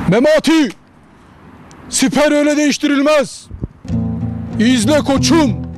Memati! Siper öyle değiştirilmez. İzle koçum.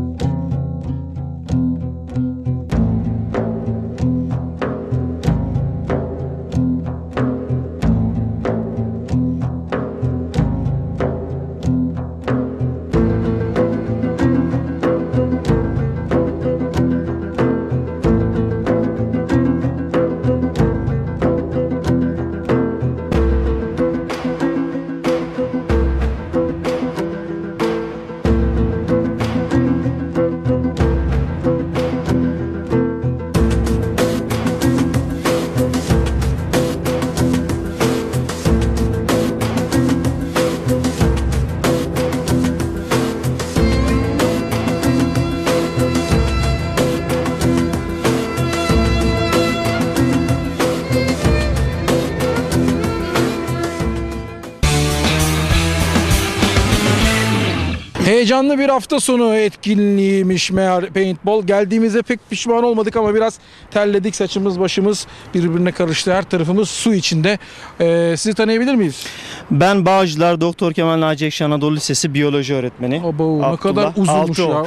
Heyecanlı bir hafta sonu etkinliğiymiş meğer paintball. Geldiğimizde pek pişman olmadık ama biraz terledik. Saçımız başımız birbirine karıştı. Her tarafımız su içinde. Sizi tanıyabilir miyiz? Ben Bağcılar Doktor Kemal Naci Ekşi Anadolu Lisesi biyoloji öğretmeni. Abo, ne kadar uzunmuş ya.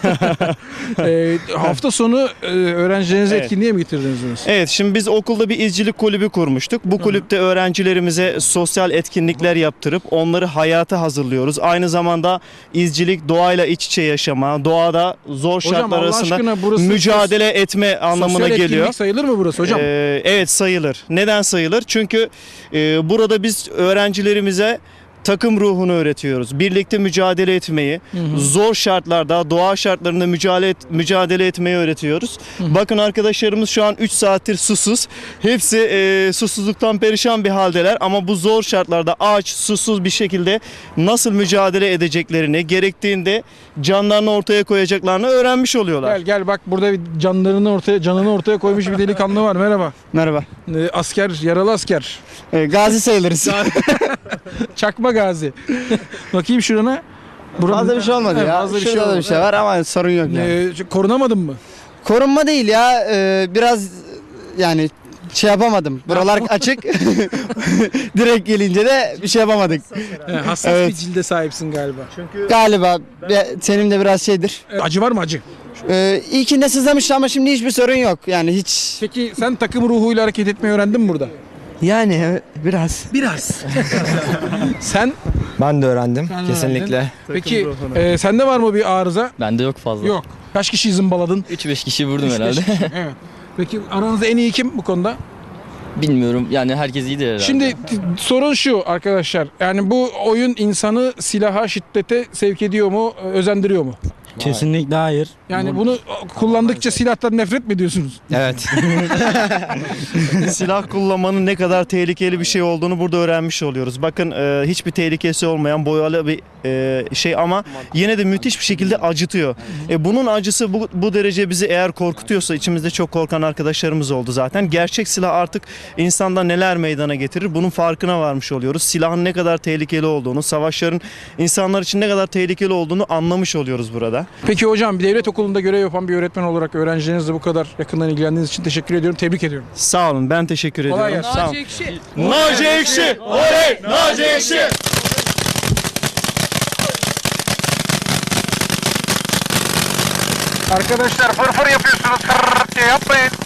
Hafta sonu öğrencilerinizi Evet. etkinliğe mi getirdiniz? Evet, şimdi biz okulda bir izcilik kulübü kurmuştuk. Bu kulüpte öğrencilerimize sosyal etkinlikler yaptırıp onları hayata hazırlıyoruz. Aynı zamanda izcilik, doğayla iç içe yaşama, doğada zor şartlar Allah arasında aşkına burası mücadele etme anlamına sosyal geliyor. etkinlik sayılır mı burası hocam? Evet, sayılır. Neden sayılır? Çünkü burada biz öğrencilerimize takım ruhunu öğretiyoruz. Birlikte mücadele etmeyi, zor şartlarda, doğa şartlarında mücadele etmeyi öğretiyoruz. Bakın arkadaşlarımız şu an 3 saattir susuz. Hepsi susuzluktan perişan bir haldeler ama bu zor şartlarda aç, susuz bir şekilde nasıl mücadele edeceklerini, gerektiğinde canlarını ortaya koyacaklarını öğrenmiş oluyorlar. Gel bak, burada bir canını ortaya koymuş bir delikanlı var. Merhaba. Merhaba. Asker, yaralı asker. Gazi sayılırız. Çakma gazi. Bakayım şurana. Fazla bir şey olmadı Evet, ya. fazla bir şey Şurada da olmadı. bir şey var ama sorun yok yani. Korunamadın mı? Korunma değil ya. Biraz yani şey yapamadım. Buralar açık. Direkt gelince de bir şey yapamadık. Hassas Evet. bir cilde sahipsin galiba. Galiba senin de biraz şeydir. Acı var mı acı? İlkinde sızlamıştı ama şimdi hiçbir sorun yok. Yani hiç. Peki sen takım ruhuyla hareket etmeyi öğrendin mi burada? Yani biraz. Biraz. Sen? Ben de öğrendim Sen kesinlikle. öğrendin. Peki sende var mı bir arıza? Bende yok fazla. Yok. Kaç kişiyi zımbaladın? 3-5 kişi vurdum 3-5 herhalde. kişi. Evet. Peki aranızda en iyi kim bu konuda? Bilmiyorum yani herkes iyidir herhalde. Şimdi sorun şu arkadaşlar. Yani bu oyun insanı silaha, şiddete sevk ediyor mu, özendiriyor mu? Kesinlikle hayır. Yani bunu kullandıkça silahtan nefret mi ediyorsunuz? Evet. Silah kullanmanın ne kadar tehlikeli bir şey olduğunu burada öğrenmiş oluyoruz. Bakın hiçbir tehlikesi olmayan boyalı bir şey ama yine de müthiş bir şekilde acıtıyor. Bunun acısı bu derece bizi eğer korkutuyorsa, içimizde çok korkan arkadaşlarımız oldu zaten. Gerçek silah artık insanda neler meydana getirir bunun farkına varmış oluyoruz. Silahın ne kadar tehlikeli olduğunu, savaşların insanlar için ne kadar tehlikeli olduğunu anlamış oluyoruz burada. Peki hocam, bir devlet okulunda görev yapan bir öğretmen olarak öğrencilerinizle bu kadar yakından ilgilendiğiniz için teşekkür ediyorum. Tebrik ediyorum. Sağ olun, ben teşekkür Kolay ediyorum. gelsin. Sağ olun. Naci Ekşi! Oley! Naci Ekşi! Arkadaşlar fırfır yapıyorsunuz. Diye yapmayın.